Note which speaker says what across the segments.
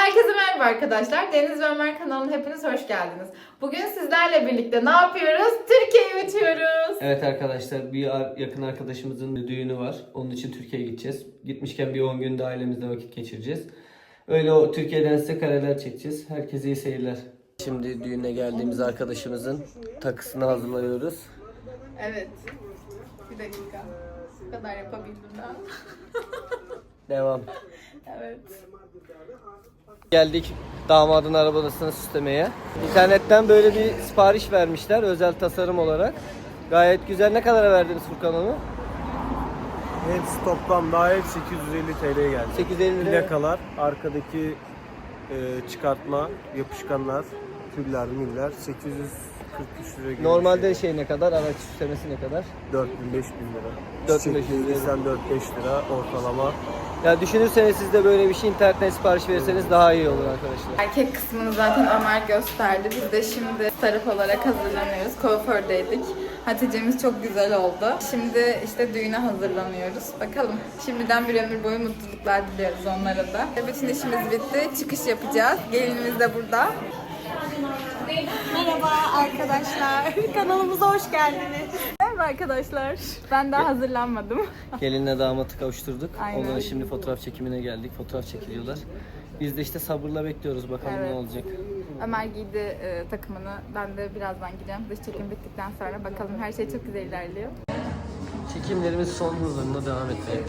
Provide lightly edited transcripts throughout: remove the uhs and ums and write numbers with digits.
Speaker 1: Herkese merhaba arkadaşlar. Deniz ve Ömer kanalına hepiniz hoş geldiniz. Bugün sizlerle birlikte ne yapıyoruz? Türkiye'yi bitiyoruz.
Speaker 2: Evet arkadaşlar, bir yakın arkadaşımızın düğünü var. Onun için Türkiye'ye gideceğiz. Gitmişken bir 10 gün de ailemizle vakit geçireceğiz. Öyle o Türkiye'den size kareler çekeceğiz. Herkese iyi seyirler. Şimdi düğüne geldiğimiz arkadaşımızın takısını hazırlıyoruz.
Speaker 1: Evet. Bir dakika. Bu kadar yapabildim ben.
Speaker 2: Devam.
Speaker 1: Evet.
Speaker 2: Geldik damadın arabasını süslemeye. İnternetten böyle bir sipariş vermişler özel tasarım olarak. Gayet güzel. Ne kadara verdiniz Furkan onu?
Speaker 3: Hepsi toplam dahil 850 TL'ye geldi.
Speaker 2: 850 lira.
Speaker 3: Plakalar, arkadaki çıkartma, yapışkanlar, tüller, müller 843 lira gibi.
Speaker 2: Normalde şey ne kadar? Araç süslemesi ne kadar?
Speaker 3: 4000-5000 lira.
Speaker 2: 4500 lira.
Speaker 3: 4-5 lira ortalama.
Speaker 2: Ya düşünürseniz siz de böyle bir şey internetten sipariş verirseniz daha iyi olur arkadaşlar.
Speaker 1: Erkek kısmını zaten Ömer gösterdi. Biz de şimdi taraf olarak hazırlanıyoruz. Kuafördeydik. Hatice'miz çok güzel oldu. Şimdi işte düğüne hazırlanıyoruz. Bakalım. Şimdiden bir ömür boyu mutluluklar diliyoruz onlara da. Bütün işimiz bitti. Çıkış yapacağız. Gelinimiz de burada.
Speaker 4: Merhaba arkadaşlar, kanalımıza hoş geldiniz.
Speaker 1: Merhaba arkadaşlar. Ben daha hazırlanmadım.
Speaker 2: Gelinle damatı kavuşturduk.
Speaker 1: Aynen.
Speaker 2: Onların şimdi fotoğraf çekimine geldik. Fotoğraf çekiliyorlar. Biz de işte sabırla bekliyoruz bakalım
Speaker 1: Evet.
Speaker 2: ne olacak.
Speaker 1: Ömer giydi takımını. Ben de birazdan gideceğim. Dış çekim bittikten sonra bakalım. Her şey çok güzel ilerliyor.
Speaker 2: Çekimlerimiz son hızlarına devam etmekte.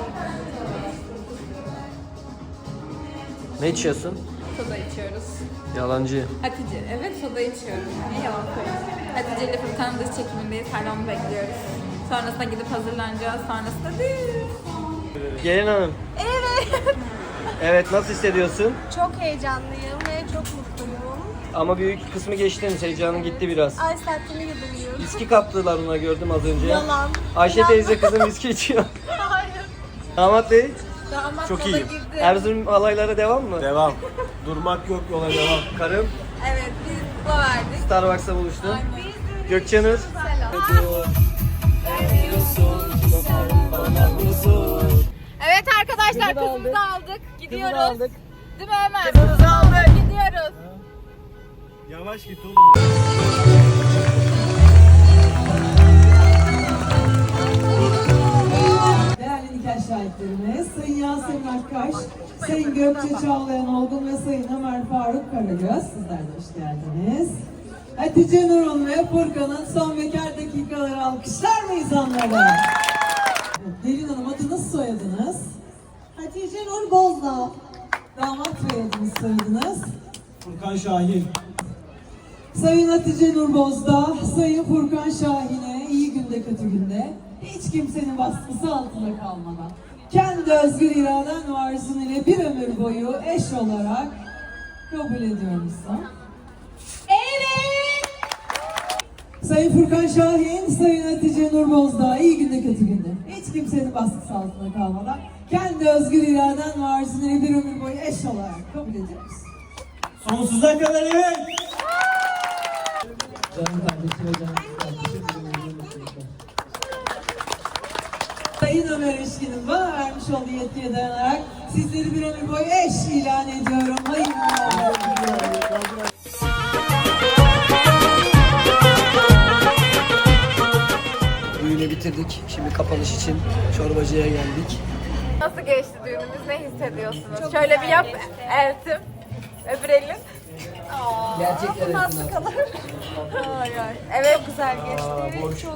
Speaker 2: Ne içiyorsun?
Speaker 1: Soda içiyoruz.
Speaker 2: Yalancı.
Speaker 1: Hatice, evet soda içiyoruz. Ne yalan söyleyeyim. Hatice ile Furkan'ın dış çekimindeyiz. Hala onu bekliyoruz. Sonrasında gidip hazırlanacağız. Sonrasında düğün.
Speaker 2: Gelin hanım.
Speaker 4: Evet.
Speaker 2: Evet, nasıl hissediyorsun?
Speaker 4: Çok heyecanlıyım ve çok mutluyum.
Speaker 2: Ama büyük kısmı geçtin. Heyecanın gitti biraz.
Speaker 4: Ay sertliğini yudumluyorum.
Speaker 2: Viski kaptılar ona, gördüm az önce.
Speaker 4: Yalan.
Speaker 2: Ayşe
Speaker 4: Yalan.
Speaker 2: teyze kızım viski içiyor.
Speaker 4: Hayır.
Speaker 2: Damat bey,
Speaker 4: Damat
Speaker 3: Çok
Speaker 4: yola
Speaker 3: iyiyim.
Speaker 4: girdi.
Speaker 2: Erzurum halaylara devam mı?
Speaker 3: Devam. Durmak yok, yola devam.
Speaker 2: Karım
Speaker 1: Evet, biz kula verdik.
Speaker 2: Starbucks'ta buluştu. Gökçenur.
Speaker 1: Evet arkadaşlar,
Speaker 2: Kızı da
Speaker 1: kızımızı aldık. Gidiyoruz.
Speaker 2: Kızı da aldık.
Speaker 1: Değil mi Ömer?
Speaker 2: Kızınızı aldık.
Speaker 1: Gidiyoruz.
Speaker 3: Yavaş git oğlum.
Speaker 5: Değerli nikah şahitlerimiz, Sayın Yasemin Akkaş, Sayın Gökçe Çağlayan Olgun ve Sayın Ömer Faruk Karagöz, sizler de hoş geldiniz. Hatice Nur'un ve Furkan'ın son bekar dakikaları alkışlar mıyız onlara? Evet, Gelin Hanım, adınız soyadınız?
Speaker 4: Hatice Nur Bozdağ.
Speaker 5: Damat Bey, adınız soyadınız?
Speaker 3: Furkan Şahin.
Speaker 5: Sayın Hatice Nur Bozdağ, Sayın Furkan Şahin'e iyi günde kötü günde hiç kimsenin baskısı altında kalmadan kendi özgür iraden ve arzun ile bir ömür boyu eş olarak kabul ediyor musun?
Speaker 4: Evet.
Speaker 5: Sayın Furkan Şahin, Sayın Hatice Nur Bozdağ iyi günde kötü günde hiç kimsenin baskısı altında kalmadan kendi özgür iraden ve arzun ile bir ömür boyu eş olarak kabul ediyor musun?
Speaker 3: Sonsuza kadar evet.
Speaker 5: Canım kardeşim ve canım kardeşim. Sayın Ömer Eşkin'in bana vermiş olduğu yetkiye dayanarak sizleri bir ömür boyu eş ilan ediyorum. Hayırlı olsun.
Speaker 2: Düğünü bitirdik. Şimdi kapanış için çorbacıya geldik.
Speaker 1: Nasıl geçti düğünümüz? Ne hissediyorsunuz? Şöyle bir yap Eltim. Öbür elin.
Speaker 2: Gerçekten
Speaker 4: Nasıl kalır?
Speaker 1: Ay ay. Evet.
Speaker 4: Çok güzel geçti. Çok.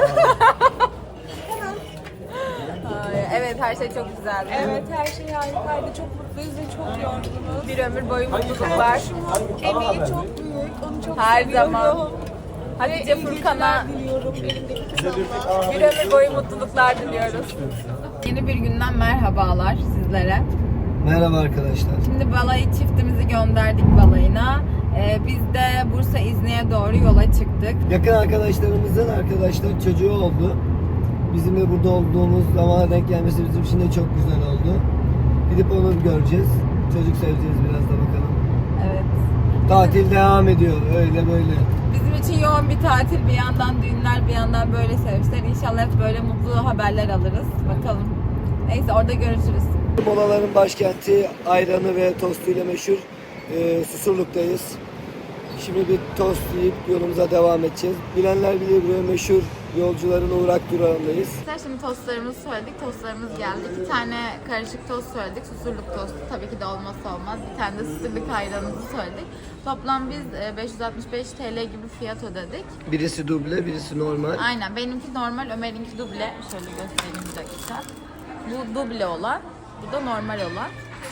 Speaker 1: Ay, evet her şey çok güzeldi.
Speaker 4: Evet, her şey harikaydı. Çok mutluyuz ve çok yorgunuz.
Speaker 1: Bir ömür boyu mutluluklar.
Speaker 4: Emeği çok büyük. Onu çok
Speaker 1: Her
Speaker 4: seviyorum.
Speaker 1: zaman. Hatice Furkan'a
Speaker 4: Diliyorum elimdeki kızımla.
Speaker 1: bir ömür boyu mutluluklar diliyoruz. Yeni bir günden merhabalar sizlere.
Speaker 2: Merhaba arkadaşlar.
Speaker 1: Şimdi balayı çiftimizi gönderdik balayına. Biz de Bursa İzni'ye doğru yola çıktık.
Speaker 2: Yakın arkadaşlarımızın arkadaşlar çocuğu oldu. Bizim de burada olduğumuz zamana denk gelmesi bizim için de çok güzel oldu. Gidip onu göreceğiz. Çocuk seveceğiz biraz da bakalım.
Speaker 1: Evet.
Speaker 2: Tatil devam ediyor öyle böyle.
Speaker 1: Bizim için yoğun bir tatil, bir yandan düğünler, bir yandan böyle sevinçler. İnşallah hep böyle mutlu haberler alırız. Bakalım. Neyse orada görüşürüz.
Speaker 2: Molaların başkenti ayranı ve tostuyla meşhur Susurluk'tayız. Şimdi bir tost yiyip yolumuza devam edeceğiz. Bilenler bilir, buraya meşhur yolcuların uğrak durağındayız.
Speaker 1: Şimdi tostlarımızı söyledik, tostlarımız geldi. 2 tane karışık tost söyledik, Susurluk tostu tabii ki de olmazsa olmaz. Bir tane de Susurluk ayranımızı söyledik. Toplam biz 565 TL gibi fiyat ödedik.
Speaker 2: Birisi duble, birisi normal.
Speaker 1: Aynen, benimki normal, Ömer'inki duble. Şöyle göstereyim bir dakika. Bu duble olan, bu da normal olan.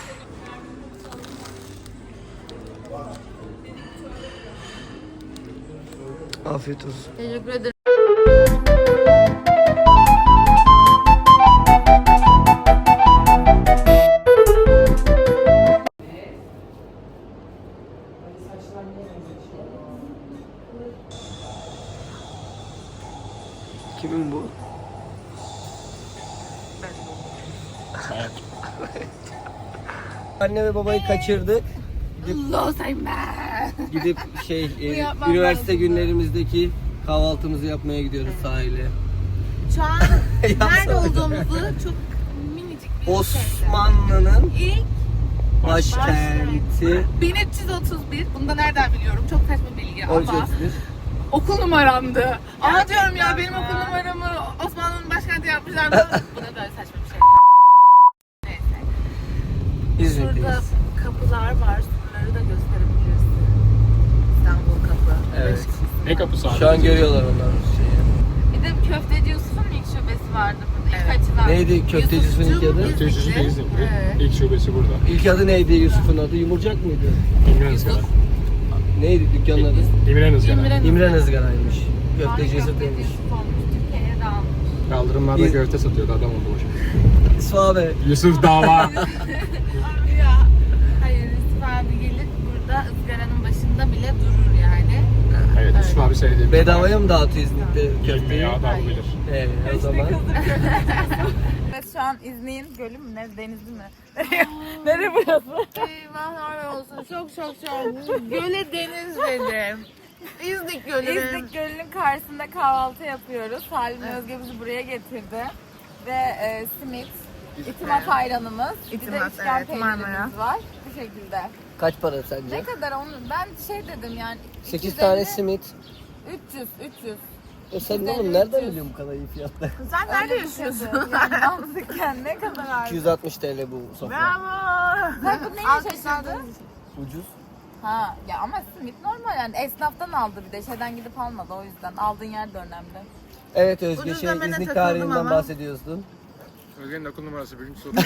Speaker 2: Afiyet olsun.
Speaker 1: Teşekkür ederim.
Speaker 2: Kimin bu? Anne ve babayı kaçırdık. Gidip üniversite günlerimizdeki kahvaltımızı yapmaya gidiyoruz sahile.
Speaker 4: Şu an nerede olduğumuzu çok minicik bir
Speaker 2: Osmanlı'nın
Speaker 4: İlk
Speaker 2: başkenti
Speaker 4: 1331. Bunu da nereden biliyorum? Çok saçma bilgi ama
Speaker 2: 1331.
Speaker 4: okul numaramdı. Ama diyorum ya benim okul numaramı Osmanlı'nın başkenti yapmışlar. Bu da böyle saçma bir şey. Neyse. Şurada
Speaker 2: İzmir'deyiz.
Speaker 4: kapılar var. Surları da gösterebiliriz. İstanbul kapı.
Speaker 2: Evet.
Speaker 6: Ne kapısı abi?
Speaker 2: Şu an görüyorlar onlar şeyi.
Speaker 1: Bir de Köfteci Yusuf'un ilk şubesi vardı burada. İlk
Speaker 4: Evet.
Speaker 1: açılan.
Speaker 2: Neydi köfteci Yusuf'un ilk adı?
Speaker 6: Köfteci İznikli.
Speaker 4: Evet.
Speaker 6: İlk şubesi burada.
Speaker 2: İlk adı neydi Yusuf'un adı? Yumurcak mıydı?
Speaker 6: İmren Izgara.
Speaker 2: Neydi dükkanın adı?
Speaker 6: İmren Izgara.
Speaker 2: İmren Izgara'ymış. Köfteci Yusuf
Speaker 1: Köfteci
Speaker 2: demiş.
Speaker 1: Yusuf olmuş. Türkiye'ye de almış.
Speaker 6: Kaldırımlarda
Speaker 2: Biz-
Speaker 6: köfte satıyordu, adam oldu başım.
Speaker 2: Suave.
Speaker 6: Yusuf dava.
Speaker 4: Ya. Hayır Yusuf abi gelir burada ızgaranın başında bile durur yani.
Speaker 6: Evet, Yusuf abi sevdiğim.
Speaker 2: Bedavaya mı dağıtıyor İznik'te köfteyi?
Speaker 6: Ya da bilir.
Speaker 2: Evet, o zaman.
Speaker 1: Evet, şu an İznik'in gölü mü ne, denizi mi? Nereye burası?
Speaker 4: Eyvahlar olsun. Çok. Göle deniz dedim. İznik Gölü.
Speaker 1: İznik Gölü'nün karşısında kahvaltı yapıyoruz. Salim Özge bizi buraya getirdi. Ve simit, itimat ayranımız, bir de
Speaker 4: İtimat,
Speaker 1: üçgen
Speaker 4: evet,
Speaker 1: peynirimiz
Speaker 4: Marmara.
Speaker 1: var. Bu şekilde.
Speaker 2: Kaç para
Speaker 1: Ne
Speaker 2: sence?
Speaker 1: kadar onu? Ben şey dedim yani.
Speaker 2: 8
Speaker 1: 250,
Speaker 2: tane simit.
Speaker 1: 300.
Speaker 2: Sen oğlum nereden biliyorsun bu kadar iyi fiyatları?
Speaker 4: Sen nerede
Speaker 1: Öyle bir şeydi.
Speaker 4: yaşıyorsun?
Speaker 1: Yani mantıken ne kadar abi?
Speaker 2: 260 TL bu sofra.
Speaker 4: Bravo.
Speaker 1: Sen bu neyle şaşırdın?
Speaker 2: Ucuz.
Speaker 1: Ha ya ama simit normal yani esnaftan aldı bir de şeyden gidip almadı o yüzden aldığın yer de önemli.
Speaker 2: Evet Özge
Speaker 4: Ucuz
Speaker 2: şey
Speaker 4: demene
Speaker 2: İznik
Speaker 4: takıldım
Speaker 2: tarihinden
Speaker 4: ama.
Speaker 2: bahsediyorsun.
Speaker 6: Özge'nin okul numarası birinci soru.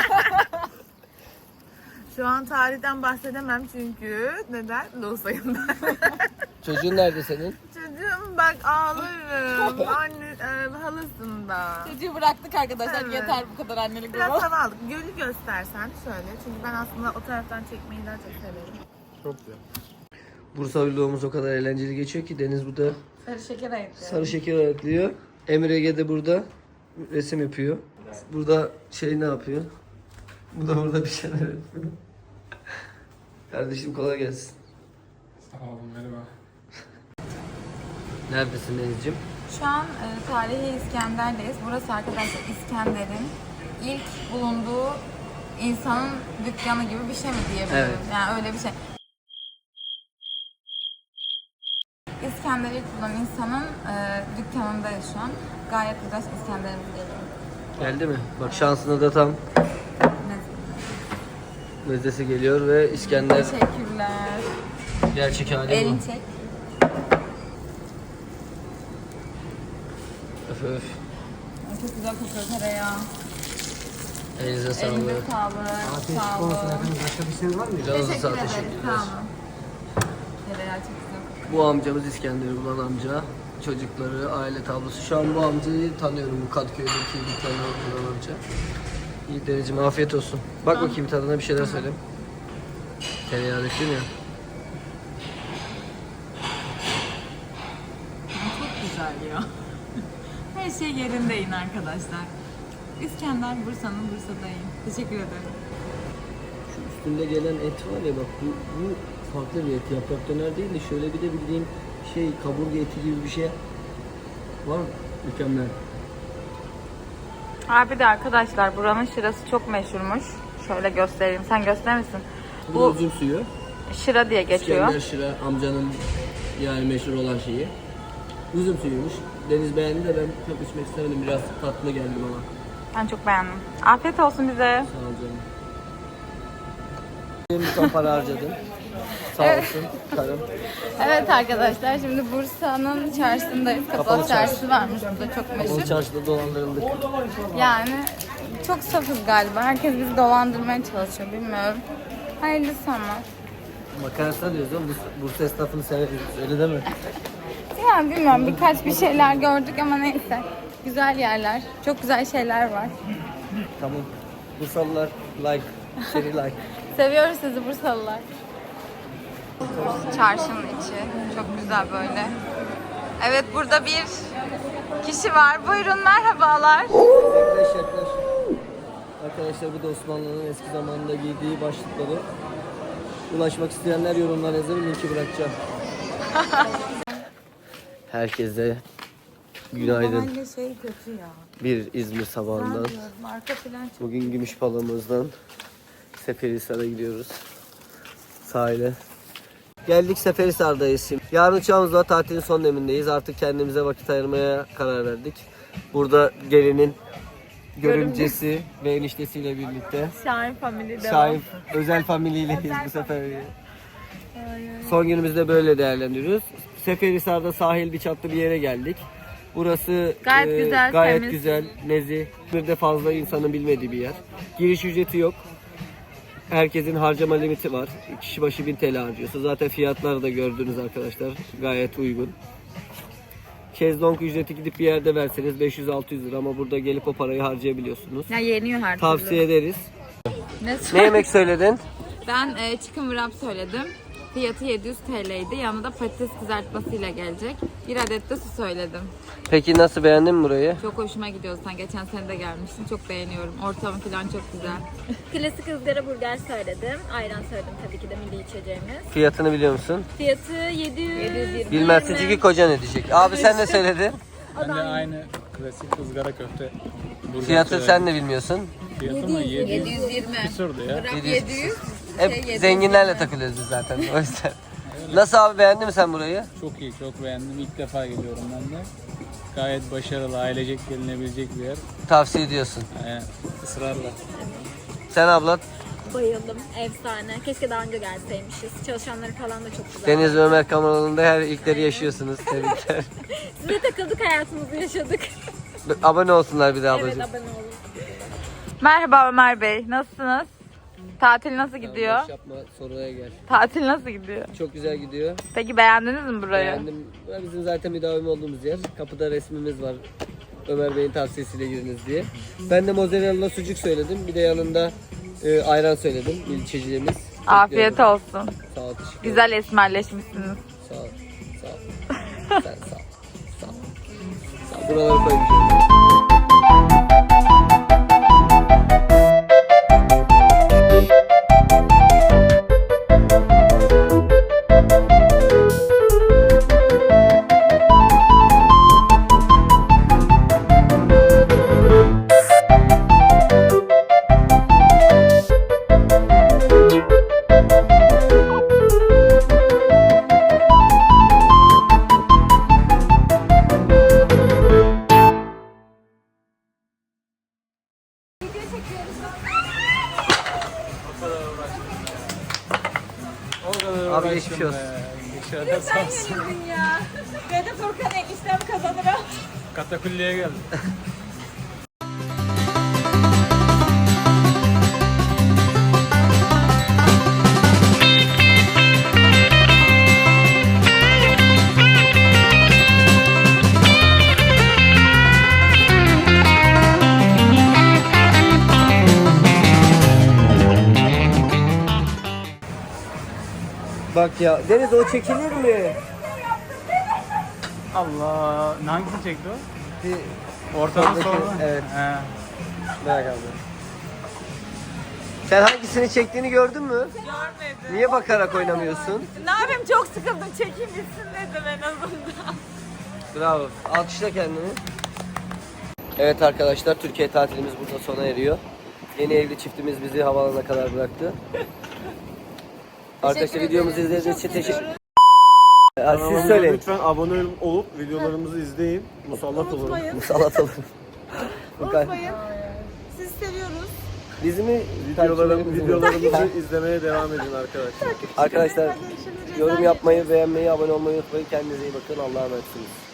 Speaker 4: Şu an tarihten bahsedemem çünkü neden? Loğusayım ben.
Speaker 2: Çocuğun nerede senin?
Speaker 4: Çocuğum bak ağlarım. Anne halasında.
Speaker 1: Çocuğu bıraktık arkadaşlar
Speaker 4: Evet.
Speaker 1: yeter bu kadar annelik
Speaker 4: Biraz
Speaker 1: baba.
Speaker 4: hava aldık. Gölü göstersen şöyle. Çünkü ben aslında o taraftan çekmeyi daha çok severim.
Speaker 6: Çok güzel.
Speaker 2: Bursa vlogumuz o kadar eğlenceli geçiyor ki Deniz burada
Speaker 1: Sarı şeker ayıklıyor.
Speaker 2: sarı şeker ayıklıyor. Emir Ege de burada resim yapıyor. Burada şey ne yapıyor? Bu da burada bir şeyler yapıyor. Kardeşim kolay gelsin.
Speaker 6: Sağ olun, merhaba.
Speaker 2: Neredesin Deniz'ciğim?
Speaker 1: Şu an tarihi İskender'deyiz. Burası arkadaşlar İskender'in ilk bulunduğu insanın dükkanı gibi bir şey mi diyebiliriz?
Speaker 2: Evet.
Speaker 1: Yani öyle bir şey. İskender ilk bulan insanın dükkanındayız şu an. Gayet güzel İskender'imiz geliyor.
Speaker 2: Geldi mi? Bak şansına da tam mezdesi geliyor ve İskender
Speaker 1: Teşekkürler.
Speaker 2: gerçek hali bu.
Speaker 1: Elini çek.
Speaker 2: Öf öf.
Speaker 1: Çok güzel kokuyor tereyağı.
Speaker 2: Elinize
Speaker 1: Elinize
Speaker 2: sağlık.
Speaker 1: sağlık. Sağ olun.
Speaker 2: Başka bir şey var mı? Canınıza sağ
Speaker 1: Teşekkür ederiz.
Speaker 2: teşekkürler.
Speaker 1: Sağ olun. Tereyağı çok güzel kokuyor.
Speaker 2: Bu amcamız İskender'i bulan amca. Çocukları, aile tablosu. Şu an bu amcayı tanıyorum. Bu Kadıköy'deki dükkanı bulan amca. İyi Deniz'ciğim afiyet olsun. Bak bakayım tadına bir şeyler söyle. Tereyağı döktün ya.
Speaker 1: Çok güzel ya. Her şey yerindeyim arkadaşlar. İskender Bursa'nın Bursa'dayım. Teşekkür ederim.
Speaker 2: Şu üstünde gelen et var ya bak bu farklı bir et. Yaprak döner değil de şöyle bir de bildiğin şey kaburga eti gibi bir şey var. Mükemmel.
Speaker 1: Abi de arkadaşlar buranın şırası çok meşhurmuş. Şöyle göstereyim. Sen gösterir misin?
Speaker 2: Bu üzüm suyu.
Speaker 1: Şıra diye geçiyor.
Speaker 2: İskender Şıra amcanın yani meşhur olan şeyi. Üzüm suyuymuş. Deniz beğendi de ben çok içmek istemedim. Biraz tatlı geldi bana.
Speaker 1: Ben çok beğendim. Afiyet olsun bize.
Speaker 2: Sağ ol canım. Bir ton para harcadım. Sağ olsun karım.
Speaker 1: Evet arkadaşlar şimdi Bursa'nın çarşısındayız. Kapalı çarşısı varmış burada çok
Speaker 2: O
Speaker 1: meşhur.
Speaker 2: çarşıda dolandırıldık.
Speaker 1: Yani çok safız galiba. Herkes bizi dolandırmaya çalışıyor bilmiyorum. Hayırlısı ama.
Speaker 2: Makarasına diyoruz oğlum. Bursa esnafını severiz. Öyle deme.
Speaker 1: Yani bilmiyorum birkaç bir şeyler gördük ama neyse. Güzel yerler. Çok güzel şeyler var.
Speaker 2: Tamam. Bursalılar like. Seri like.
Speaker 1: Seviyoruz sizi Bursalılar. Çarşının içi çok güzel böyle. Evet burada bir kişi var. Buyurun merhabalar.
Speaker 2: Yaklaş. Arkadaşlar bu da Osmanlı'nın eski zamanında giydiği başlıkları. Ulaşmak isteyenler yorumlara yazarım. Linki bırakacağım. Herkese günaydın.
Speaker 1: Şey kötü ya.
Speaker 2: Bir İzmir sabahından.
Speaker 1: Arka plan çok.
Speaker 2: Bugün Gümüşpala'mızdan Seferihisar'a gidiyoruz. Sahile. Geldik Seferihisar'dayız şimdi. Yarın uçağımız var. Tatilin son demindeyiz. Artık kendimize vakit ayırmaya karar verdik. Burada gelinin görümcesi ve eniştesiyle birlikte.
Speaker 1: Şahin Family
Speaker 2: Şahin özel familyileyiz bu sefer. Son günümüzde böyle değerlendiriyoruz. Seferihisar'da sahil bir çatlı bir yere geldik. Burası
Speaker 1: Gayet güzel,
Speaker 2: gayet
Speaker 1: temiz.
Speaker 2: güzel, nezih. Bir de fazla insanın bilmediği bir yer. Giriş ücreti yok. Herkesin harcama limiti var. Kişi başı 1000 TL harcıyorsa. Zaten fiyatları da gördünüz arkadaşlar. Gayet uygun. Şezlong ücreti gidip bir yerde verseniz 500-600 lira ama burada gelip o parayı harcayabiliyorsunuz.
Speaker 1: Ya yeniyor her türlü.
Speaker 2: Tavsiye ederiz.
Speaker 1: Ne
Speaker 2: Ne yemek söyledin?
Speaker 1: Ben chicken wrap söyledim. Fiyatı 700 TL'ydi. Yanında patates kızartmasıyla gelecek. Bir adet de su söyledim.
Speaker 2: Peki nasıl, beğendin mi burayı?
Speaker 1: Çok hoşuma gidiyor. Sen geçen sene de gelmiştin. Çok beğeniyorum. Ortamı falan çok güzel.
Speaker 7: Klasik ızgara burger söyledim. Ayran söyledim tabii ki de milli içeceğimiz.
Speaker 2: Fiyatını biliyor musun?
Speaker 7: Fiyatı 720.
Speaker 2: Bilmezsin çünkü kocan ödeyecek. Abi sen ne söyledin?
Speaker 6: Ben de aynı klasik ızgara köfte. burger
Speaker 2: Fiyatı
Speaker 6: söyledim.
Speaker 2: sen de bilmiyorsun.
Speaker 6: Fiyatı mı?
Speaker 1: 720.
Speaker 6: Küsurdu ya.
Speaker 1: 700.
Speaker 2: Hep zenginlerle takılıyoruz biz zaten o yüzden. Nasıl abi, beğendin mi sen burayı?
Speaker 6: Çok iyi, çok beğendim. İlk defa geliyorum ben de. Gayet başarılı, ailecek gelinebilecek bir yer.
Speaker 2: Tavsiye ediyorsun.
Speaker 6: Yani ısrarla.
Speaker 2: Sen abla?
Speaker 7: Bayıldım. Efsane. Keşke daha önce gelseymişiz. Çalışanları falan da çok güzel.
Speaker 2: Deniz ve Ömer kanalında her ilkleri yaşıyorsunuz. Tebrikler.
Speaker 7: Size takıldık, hayatımızı yaşadık.
Speaker 2: Abone olsunlar bir de
Speaker 7: Evet,
Speaker 2: ablacığım.
Speaker 7: abone olun.
Speaker 1: Merhaba Ömer Bey. Nasılsınız? Tatil nasıl gidiyor?
Speaker 2: Boş yapma, soruya gel.
Speaker 1: Tatil nasıl gidiyor?
Speaker 2: Çok güzel gidiyor.
Speaker 1: Peki beğendiniz mi burayı?
Speaker 2: Beğendim. Bizim zaten müdavim olduğumuz yer. Kapıda resmimiz var. Ömer Bey'in tavsiyesiyle giriniz diye. Ben de mozzarella sucuk söyledim. Bir de yanında ayran söyledim. İlçeciliğimiz.
Speaker 1: Afiyet olsun.
Speaker 2: Sağ ol. Teşekkür ederim.
Speaker 1: Güzel esmerleşmişsiniz.
Speaker 2: Sağ ol. Sağ ol. Sen sağ ol. Sağ ol. Sağ ol. Buraları koymayacağım. Abi geçmiş olsun.
Speaker 6: Geçerler sağ olsun.
Speaker 7: Ben de Furkan eniştem kazanırım.
Speaker 6: Katakulliye geldim.
Speaker 2: Bak ya Deniz, o çekilir mi?
Speaker 6: Allah. Hangisini çekti o?
Speaker 2: Bir
Speaker 6: Ortadan
Speaker 2: Oradaki,
Speaker 6: sonra.
Speaker 2: evet.
Speaker 6: He.
Speaker 2: merak abi. Sen hangisini çektiğini gördün mü?
Speaker 4: Görmedim.
Speaker 2: Niye bakarak oynamıyorsun?
Speaker 4: Ne yapayım, çok sıkıldım. Çekeyim bitsin dedim en azından.
Speaker 2: Bravo. Alkışla kendini. Evet arkadaşlar, Türkiye tatilimiz burada sona eriyor. Yeni evli çiftimiz bizi havaalanına kadar bıraktı. Arkadaşlar videomuzu izlediğiniz için teşekkür ederim. Siz
Speaker 3: Kanalımıza
Speaker 2: söyleyin.
Speaker 3: lütfen abone olup videolarımızı izleyin. Musallat olun.
Speaker 2: Musallat olun.
Speaker 8: Unutmayın. Sizi seviyoruz.
Speaker 2: Bizi mi
Speaker 3: Videolarımızı izlemeye devam edin arkadaşlar.
Speaker 2: Arkadaşlar yorum yapmayı, beğenmeyi, abone olmayı unutmayın. Kendinize iyi bakın. Allah'a emanetsiniz.